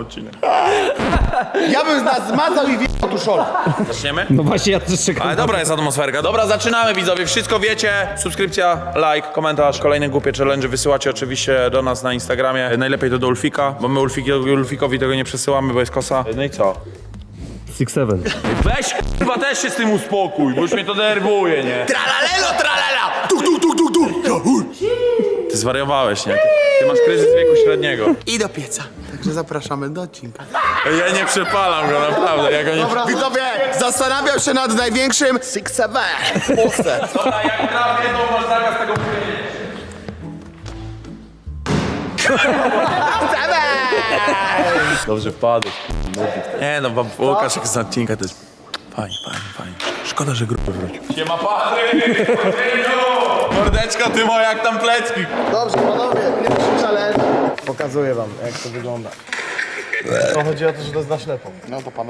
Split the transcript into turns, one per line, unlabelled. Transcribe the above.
odcinek.
Ja bym nas zmazał i wjechał tu szola.
Zaczniemy?
No właśnie, ja też czekam.
Ale dobra jest atmosferka. Dobra, zaczynamy widzowie, wszystko wiecie. Subskrypcja, like, komentarz. Kolejne głupie challenge wysyłacie oczywiście do nas na Instagramie. Najlepiej to do Ulfika, bo my Ulfikowi tego nie przesyłamy, bo jest kosa. No i co?
6-7.
Weź chyba też się z tym uspokój, bo już mnie to denerwuje, nie?
Tralalelo, tralala! Tuk, tuk, tuk, tuk, tuk!
Ty zwariowałeś, nie? Ty masz kryzys wieku średniego.
I do pieca. Także zapraszamy do odcinka.
Ja nie przepalam go, naprawdę. Ja go nie...
Dobra, widzowie, zastanawiam się nad największym 6-7 w Polsce.
Dobra, jak trafię, to masz zakaz tego mówienia. Dobrze wpadłeś. Nie no, Łukasz jak z odcinka to jest... Fajnie. Szkoda, że grupę wrócił. Siema Patryk! Mordeczko, ty moja jak tam plecki.
Dobrze, panowie, pierwszy challenge. Pokazuję wam, jak to wygląda. To chodzi o to, że to jest na ślepo. No to panowie.